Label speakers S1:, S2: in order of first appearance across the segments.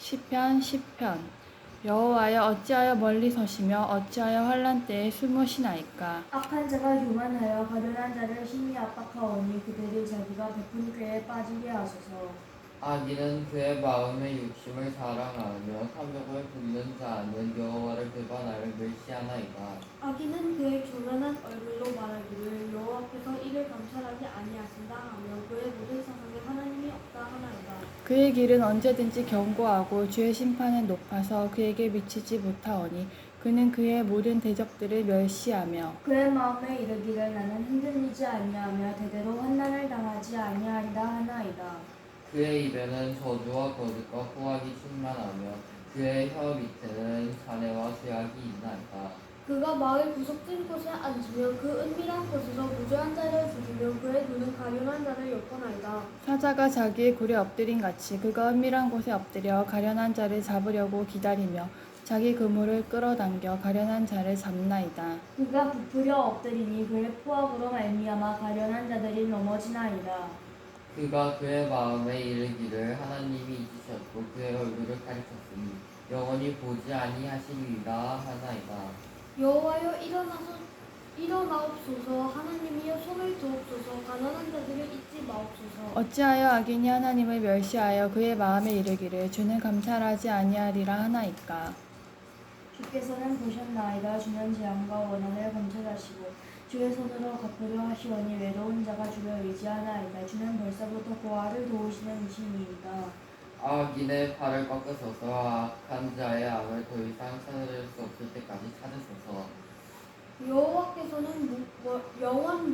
S1: 시편 10편. 여호와여, 어찌하여 멀리 서시며 어찌하여 환난 때에 숨으시나이까.
S2: 악한 자가 교만하여 가련한 자를 심히 압박하오니 그들이 자기가 베푼 꾀에 빠지게 하소서.
S3: 악인은 그의 마음의 욕심을 자랑하며 탐욕을 부리는 자는 여호와를 배반하여 멸시하나이다.
S4: 악인은 그의 교만한 얼굴로 말하기를 여호와께서 이를 감찰하지 아니하신다 하며 그의 모든 사상에 하나님이 없다 하나이다.
S1: 그의 길은 언제든지 견고하고 주의 심판은 높아서 그에게 미치지 못하오니 그는 그의 모든 대적들을 멸시하며
S2: 그의 마음에 이르기를 나는 흔들리지 아니하며 대대로 환난을 당하지 아니하리라 하나이다.
S3: 그의 입에는 저주와 거짓과 후악이 충만하며 그의 혀 밑에는 잔해와 죄악이 있나이다.
S4: 그가 마을 구석진 곳에 앉으며 그 은밀한 곳에서 무죄한 자를 죽이며 그의 눈은 가련한 자를 엿보나이다.
S1: 사자가 자기의 굴에 엎드린 같이 그가 은밀한 곳에 엎드려 가련한 자를 잡으려고 기다리며 자기 그물을 끌어당겨 가련한 자를 잡나이다.
S2: 그가 부풀려 엎드리니 그의 포악으로 말미암아 가련한 자들이 넘어지나이다.
S3: 그가 그의 마음에 이르기를 하나님이 잊으셨고 그의 얼굴을 가리켰으니 영원히 보지 아니하시리라 하나이다.
S4: 여호와여 일어나옵소서. 하나님이여 손을 두옵소서. 가난한 자들을 잊지 마옵소서.
S1: 어찌하여 악인이 하나님을 멸시하여 그의 마음에 이르기를 주는 감찰하지 아니하리라 하나이까.
S2: 주께서는 보셨나이다. 주는 재앙과 원한을 감찰하시고 주의 손으로 갚으려 하시오니 외로운 자가 주를 의지하나이다. 주는 벌써부터 고아를 도우시는 이신이이다.
S3: 악인의 팔을 꺾으소서. 악한 자의 악을 더 이상 찾을 수 없을 때까지 찾으소서.
S4: 여호와께서는 영원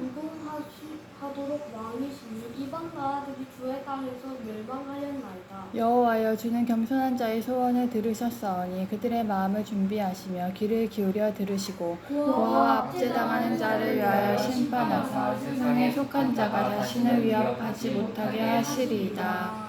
S4: 무궁하도록 왕이시니 이방 나라들이 주의 땅에서 멸망하였나이다.
S1: 여호와여, 주는 겸손한 자의 소원을 들으셨사오니 그들의 마음을 준비하시며 귀를 기울여 들으시고 고아와 압제당하는 자를 위하여 심판하사 세상에 속한 자가 자신을 위협하지 못하게 하시리이다.